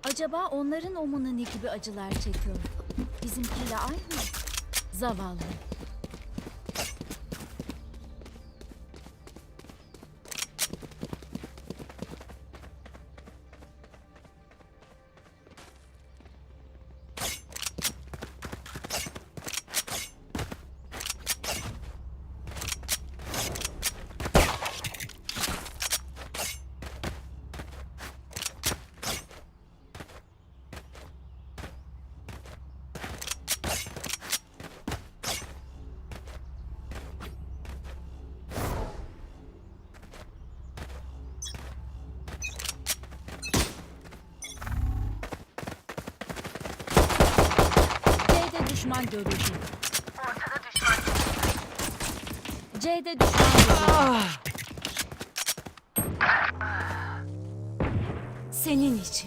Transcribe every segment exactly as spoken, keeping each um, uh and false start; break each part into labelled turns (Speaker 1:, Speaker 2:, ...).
Speaker 1: Acaba onların omuna ne gibi acılar çekiyor? Bizimkiyle aynı mı? Zavallı. C'de düşman görüldü.
Speaker 2: Ortada düşman.
Speaker 1: C'de düşman görüldü. Senin için.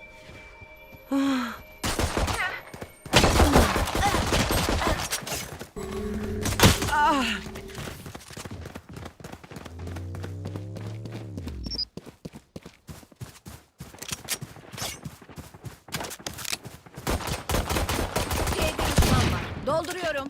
Speaker 1: C'de düşman var. Dolduruyorum.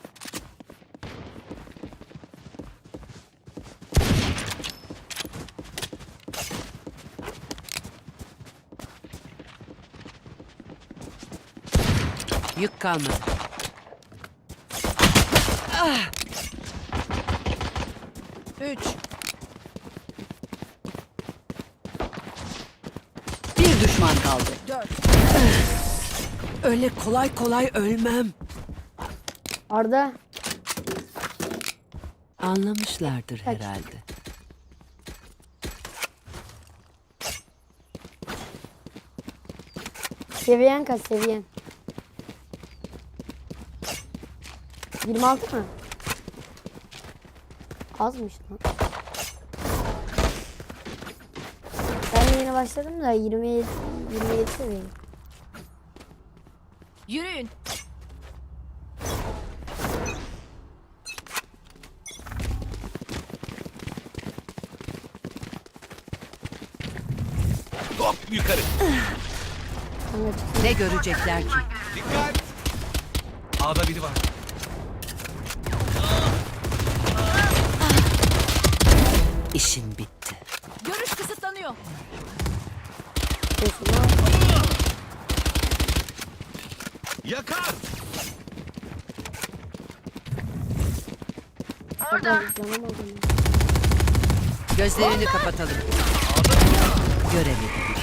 Speaker 3: Yük kalmadı. Ah! Üç. Bir düşman kaldı.
Speaker 1: Dört.
Speaker 3: Öyle kolay kolay ölmem.
Speaker 4: Arda.
Speaker 3: Anlamışlardır herhalde.
Speaker 4: Seviyen kaç seviyen? yirmi altı mı? Azmış lan. Ben de yeni başladım da yirmi yedi yirmi yedi seviyeyim.
Speaker 1: Yürüyün.
Speaker 5: Hop yukarı.
Speaker 4: Sana çıksın.
Speaker 3: Ne görecekler ki?
Speaker 5: Dikkat. A'da biri var.
Speaker 3: İşin bitti.
Speaker 1: Görüş kısıtlanıyor.
Speaker 4: Sesini al.
Speaker 5: Yakar.
Speaker 4: Oradan canamadım.
Speaker 3: Gözlerini kapatalım. Göremedim.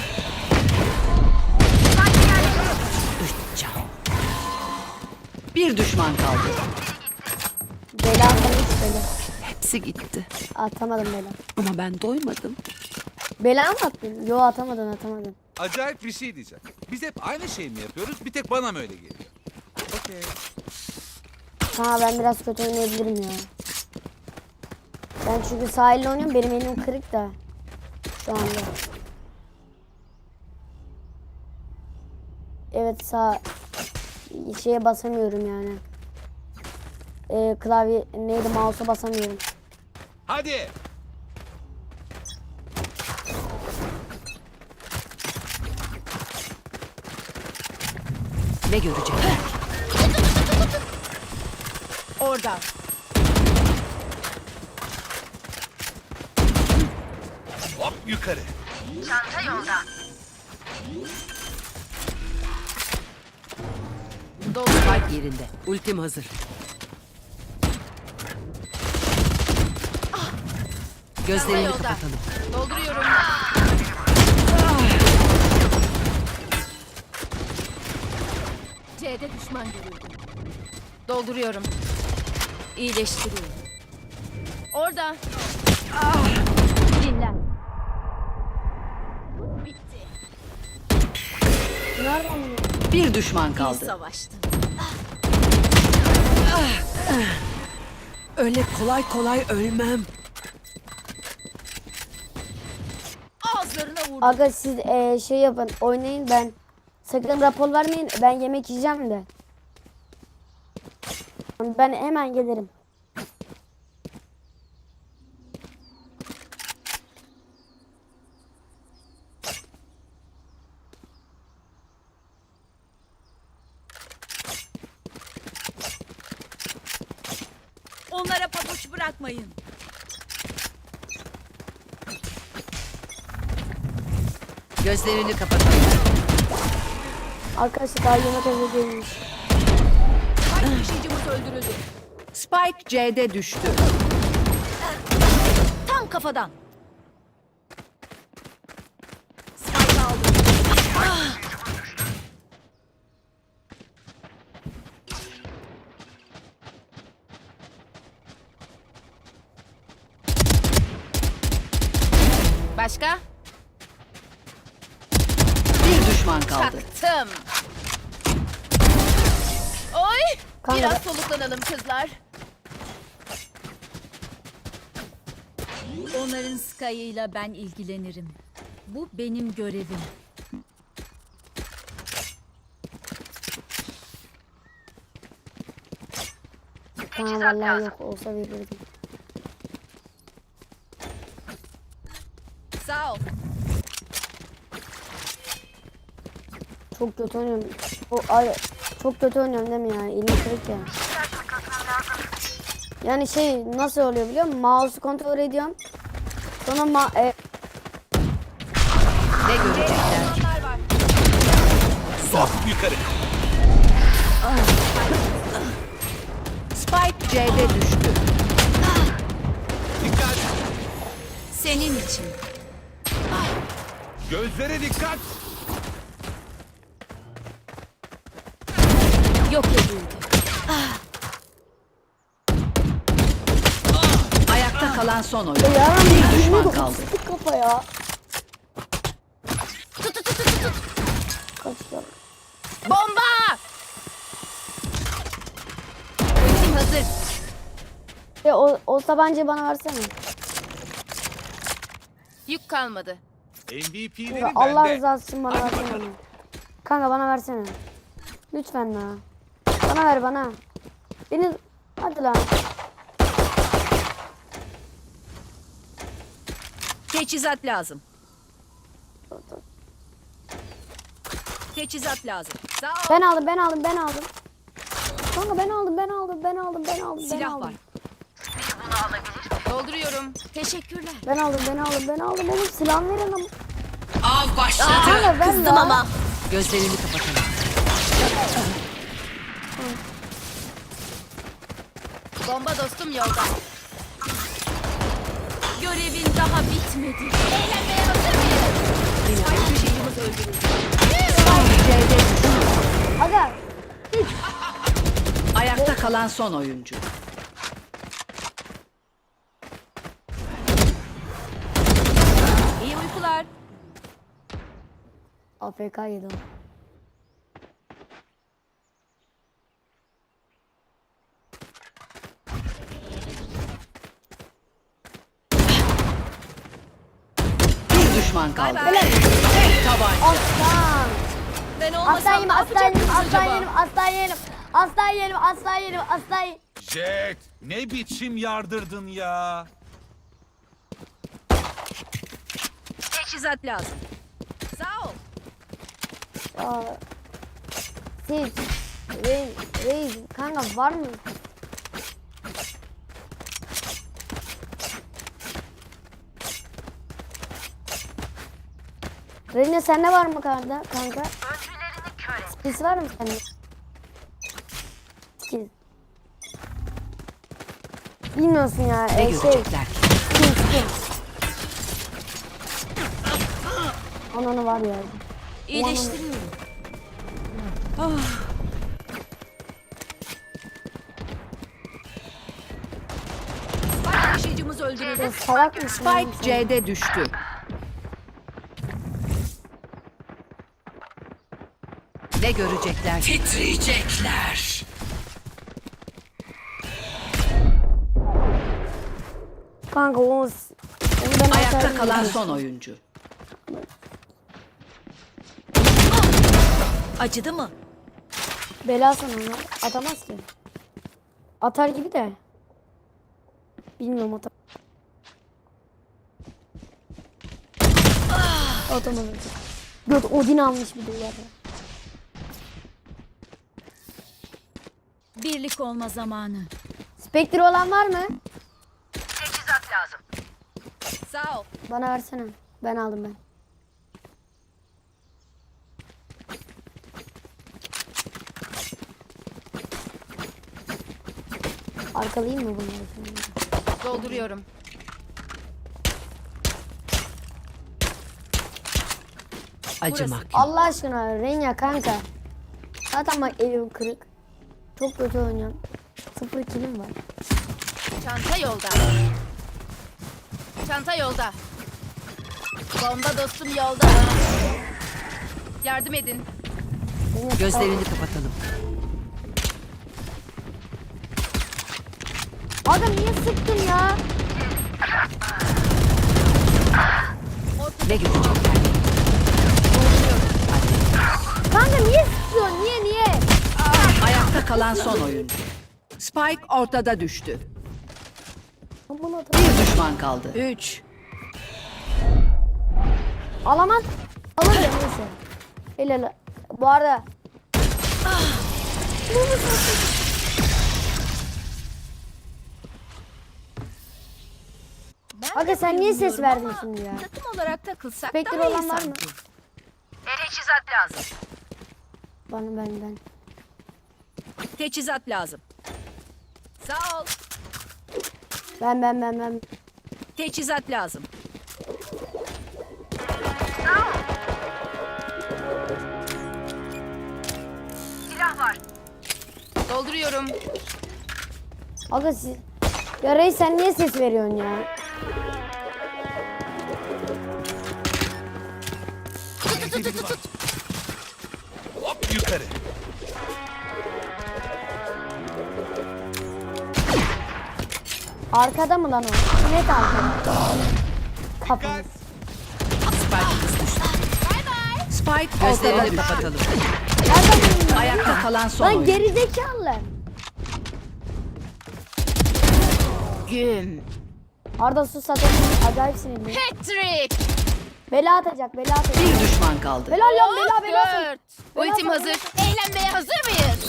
Speaker 3: Üç can. Bir düşman kaldı.
Speaker 4: Bela atmamış bela.
Speaker 3: Hepsi gitti.
Speaker 4: Atamadım bela.
Speaker 3: Ama ben doymadım.
Speaker 4: Bela mı attın? Yo atamadın atamadın.
Speaker 5: Acayip bir şey diyeceğim. Biz hep aynı şeyi mi yapıyoruz? Bir tek bana mı öyle geliyor? Okey.
Speaker 4: Ha ben biraz kötü oynayabilirim ya. Ben çünkü sahilde oynuyorum, benim elim kırık da. Şu anda. Evet sağ şeye basamıyorum yani. Ee, klavye neydi, mouse'a basamıyorum.
Speaker 5: Hadi.
Speaker 3: Ne görecekler?
Speaker 1: Orada.
Speaker 5: Hop yukarı.
Speaker 2: Çanta yolda.
Speaker 3: Spike yerinde. Ultim hazır. Gözlerini
Speaker 1: Yolda.
Speaker 3: kapatalım.
Speaker 1: Dolduruyorum. C'de düşman görüldü. Dolduruyorum. İyileştiriyorum. Orada. Dinlen. Bitti.
Speaker 4: Nereden bunu?
Speaker 3: Bir düşman
Speaker 1: İyi
Speaker 3: kaldı.
Speaker 1: savaştın.
Speaker 3: Öyle kolay kolay ölmem.
Speaker 1: Ağızlarına vurdum.
Speaker 4: Aga siz ee, şey yapın, oynayın, ben sakın rapor vermeyin, ben yemek yiyeceğim de. Ben hemen gelirim.
Speaker 1: Onlara pabuç bırakmayın.
Speaker 3: Gözlerini kapatın.
Speaker 4: Arkadaşlar daha yemek hazır değilmiş.
Speaker 1: Taşıyıcımız öldürüldü.
Speaker 3: Spike C'de düştü.
Speaker 1: Tam kafadan. Spike aldım. Başka?
Speaker 3: Bir düşman kaldı.
Speaker 1: Taktım. Oy!
Speaker 4: Kanka
Speaker 1: Biraz
Speaker 4: ben-
Speaker 1: soluklanalım kızlar. Onların Sky'ıyla ben ilgilenirim. Bu benim görevim.
Speaker 4: Tamam vallahi yok olsa verirdim.
Speaker 1: Sağ ol.
Speaker 4: Çok kötü oynuyorum. O, ay, çok kötü oynuyorum değil mi ya? Elim kırık ya. Yani şey nasıl oluyor biliyor musun? Mouse'u kontrol ediyorum. Sonra ma e,
Speaker 3: Ne görecekler?
Speaker 5: Sok yukarı.
Speaker 3: Spike C'de düştü.
Speaker 5: Dikkat.
Speaker 1: Senin için.
Speaker 5: Gözlere dikkat.
Speaker 1: Yok edildi.
Speaker 3: Ayakta kalan son oyun.
Speaker 4: ya
Speaker 3: Bir düşman kaldı.
Speaker 4: sıktık kafa ya. Kaçtı.
Speaker 1: Bomba! Ultim hazır.
Speaker 4: Ya o, o tabancayı bana versene.
Speaker 1: Yük kalmadı.
Speaker 5: M V P'leri
Speaker 4: Kanka, Allah
Speaker 5: bende.
Speaker 4: rızası için bana versene onu. Kanka bana versene. Lütfen la. Bana ver bana. Beni hadi lan.
Speaker 3: Teçhizat lazım. Teçhizat lazım. Sağ ol.
Speaker 4: Ben aldım ben aldım ben aldım. Kanka ben aldım ben aldım ben aldım ben aldım ben
Speaker 3: Silah
Speaker 4: aldım.
Speaker 3: var.
Speaker 1: Dolduruyorum. Teşekkürler.
Speaker 4: Ben aldım ben aldım ben aldım oğlum silah verin ama.
Speaker 3: Av başladı.
Speaker 4: Kanka ver
Speaker 1: Kızdım
Speaker 4: la.
Speaker 1: ama.
Speaker 3: Gözlerini kapatalım.
Speaker 1: Bomba dostum yolda. Görevin daha bitmedi. Eğlenmeye hazır mıyız? Taşıyıcımız öldürüldü.
Speaker 3: Spike C'de düştü.
Speaker 4: Aga
Speaker 3: Ayakta kalan son oyuncu.
Speaker 1: İyi uykular.
Speaker 4: A F K yedi o.
Speaker 3: Bir düşman kaldı.
Speaker 1: Bay bay.
Speaker 3: Tek tabanca.
Speaker 4: Aslan.
Speaker 1: Ben
Speaker 4: Aslan
Speaker 1: olmasam
Speaker 4: yerim
Speaker 1: ne
Speaker 4: aslan yerim
Speaker 1: yapacaktınız
Speaker 4: aslan
Speaker 1: acaba?
Speaker 4: yerim aslan yerim. Aslan yerim aslan yerim aslan yerim.
Speaker 5: Jet. Ne biçim yardırdın ya.
Speaker 3: Teçhizat lazım.
Speaker 1: Sağ ol.
Speaker 4: Aa, Siz. Reis, reis kanka var mı? Reyna sende var mı kanka? Kanka.
Speaker 2: Öncülerini kör et.
Speaker 4: Skills var mı sende? Skill. Bilmiyorsun ya.
Speaker 3: Ne
Speaker 4: e, şey.
Speaker 3: görecekler ki?
Speaker 4: Skill skill. Ananı var ya.
Speaker 1: İyileştiriyorum. Spike taşıyıcımız öldürüldü.
Speaker 4: Ya salak mısın? oğlum
Speaker 3: Spike
Speaker 4: sen?
Speaker 3: C'de düştü. Ne görecekler? Titriyecekler.
Speaker 4: Kanka o onu ben
Speaker 3: Ayakta
Speaker 4: atarım
Speaker 3: kalan
Speaker 4: yani.
Speaker 3: son oyuncu.
Speaker 1: Acıdı mı?
Speaker 4: Bela sana onu atamaz ki. Atar gibi de. Bilmiyorum atar. Atamadı. Göt Odin almış bir de ya.
Speaker 1: Birlik olma zamanı.
Speaker 4: Spectre olan var mı?
Speaker 2: Teçhizat lazım.
Speaker 3: Sağ ol.
Speaker 4: Bana versene. Ben aldım ben. Arkalayayım mı bunları?
Speaker 3: Dolduruyorum. Acımak yok.
Speaker 4: Allah aşkına Renya kanka. Zaten bak elim kırık. Çok kötü oynuyorum. Sıfır kilim var.
Speaker 1: Çanta yolda. Çanta yolda. Bomba dostum yolda. Yardım edin.
Speaker 4: Renya,
Speaker 3: Gözlerini kapatalım.
Speaker 4: Adam niye sıktın ya?
Speaker 3: Ne görecekler?
Speaker 4: Kanka niye sıkıyorsun? Niye niye?
Speaker 3: Ayakta kalan son oyuncu. Spike ortada düştü.
Speaker 4: Aman adam.
Speaker 3: Bir düşman kaldı. Üç.
Speaker 4: Alamam. Alır ya neyse. Helal. Bu arada.
Speaker 1: Ben
Speaker 4: Aga
Speaker 1: de
Speaker 4: sen niye ses
Speaker 1: bayılıyorum
Speaker 4: verdin
Speaker 1: ama
Speaker 4: şimdi ya?
Speaker 1: Takım olarak takılsak
Speaker 4: Spectre
Speaker 1: daha iyi
Speaker 4: olan var mı?
Speaker 1: sanki.
Speaker 2: Teçhizat lazım.
Speaker 4: Bana ben ben.
Speaker 3: Teçhizat lazım.
Speaker 1: Sağ ol.
Speaker 4: Ben ben ben ben.
Speaker 3: Teçhizat lazım.
Speaker 2: Silah var.
Speaker 3: Dolduruyorum.
Speaker 4: Aga siz... Ya Reis sen niye ses veriyorsun ya?
Speaker 5: Hop yukarı.
Speaker 4: Arkada mı lan o? Net arkada. Kapı.
Speaker 3: Spike düştü. Spike gözlerini kapatalım.
Speaker 4: Nereden
Speaker 3: Ayakta kalan son
Speaker 4: lan
Speaker 3: oyuncu.
Speaker 4: gerizekalı.
Speaker 3: Güm.
Speaker 4: Arda sus zaten acayip sinirli.
Speaker 1: Patrick.
Speaker 4: Bela atacak, bela atacak.
Speaker 3: Bir düşman kaldı.
Speaker 4: Bela lan bela bela. atacak.
Speaker 1: Dört. Ultim
Speaker 4: Bela-
Speaker 1: hazır. Eğlenmeye hazır mıyız?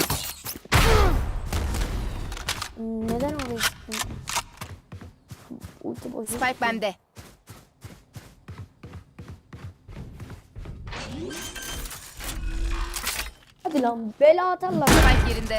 Speaker 4: Neden oraya çıktın? Ulti boşu.
Speaker 1: Spike bende.
Speaker 4: Hadi lan bela atarlar.
Speaker 1: Spike yerinde.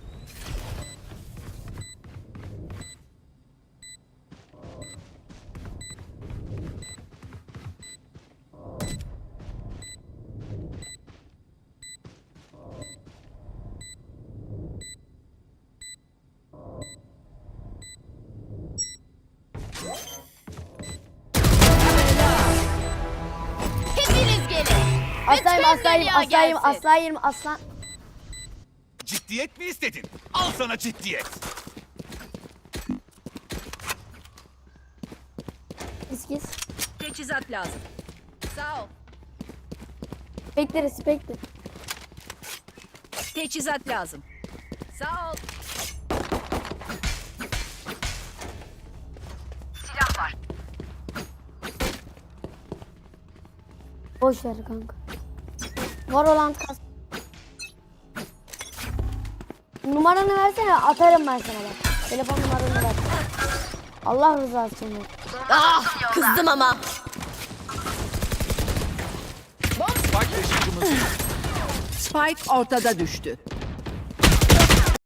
Speaker 1: Hepiniz gelin.
Speaker 4: Aslayım
Speaker 1: Bütün
Speaker 4: aslayım
Speaker 1: dünya
Speaker 4: aslayım
Speaker 1: gelsin.
Speaker 4: aslayım aslan.
Speaker 5: Ciddiyet mi istedin? Al sana ciddiyet.
Speaker 4: İskiz.
Speaker 3: Teçhizat lazım.
Speaker 1: Sağ ol.
Speaker 4: Spectre Spectre.
Speaker 3: Teçhizat lazım.
Speaker 1: Sağ ol.
Speaker 2: Silah var.
Speaker 4: Boş ver kanka. Valorant kas. Numaranı versene atarım ben sana bak. Telefon numaranı ver. Allah rızası için ver.
Speaker 1: Ah kızdım ama.
Speaker 5: Bak taşıyıcımız.
Speaker 3: Spike ortada düştü.